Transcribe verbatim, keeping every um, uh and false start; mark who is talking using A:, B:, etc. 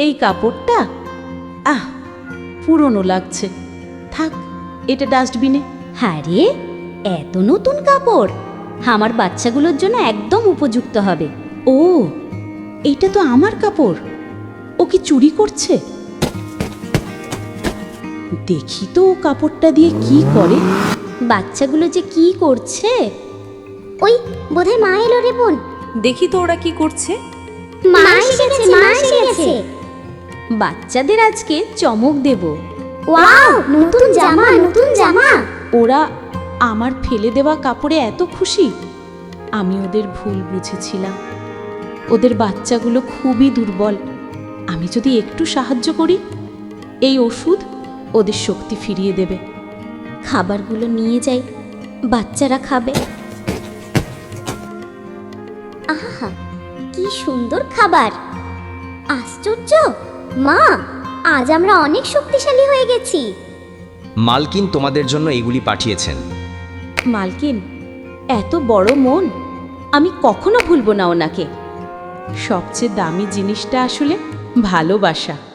A: এই কাপড়টা আহ পুরনো লাগছে, থাক এটা ডাস্টবিনে।
B: আরে এত নতুন কাপড় আমার বাচ্চাগুলোর জন্য একদম উপযুক্ত হবে।
A: ও এইটা তো আমার কাপড়, ও কি চুরি করছে? দেখি তো ও কাপড়টা দিয়ে কি করে।
B: বাচ্চাগুলো যে কি করছে। ওই বোধহয় মা এলো রে বোন।
A: দেখি তো ওরা কি করছে।
B: মা এসে গেছে, মা এসে গেছে। বাচ্চাদের আজকে চমক দেব। ওয়াও, নতুন জামা, নতুন জামা।
A: ওরা আমার ফেলে দেওয়া কাপড়ে এত খুশি। আমি ওদের ভুল বুঝেছিলাম। ওদের বাচ্চাগুলো খুবই দুর্বল। আমি যদি একটু সাহায্য করি, এই ওষুধ ওদের শক্তি ফিরিয়ে দেবে।
B: খাবারগুলো নিয়ে যাই, বাচ্চারা খাবে। আহা কি সুন্দর খাবার! আশ্চর্য মা, আজ আমরা অনেক শক্তিশালী হয়ে গেছি।
C: মালকিন তোমাদের জন্য এগুলি পাঠিয়েছেন।
A: মালকিন এত বড় মন, আমি কখনো ভুলবো না ওনাকে। সবচেয়ে দামি জিনিসটা আসলে ভালোবাসা।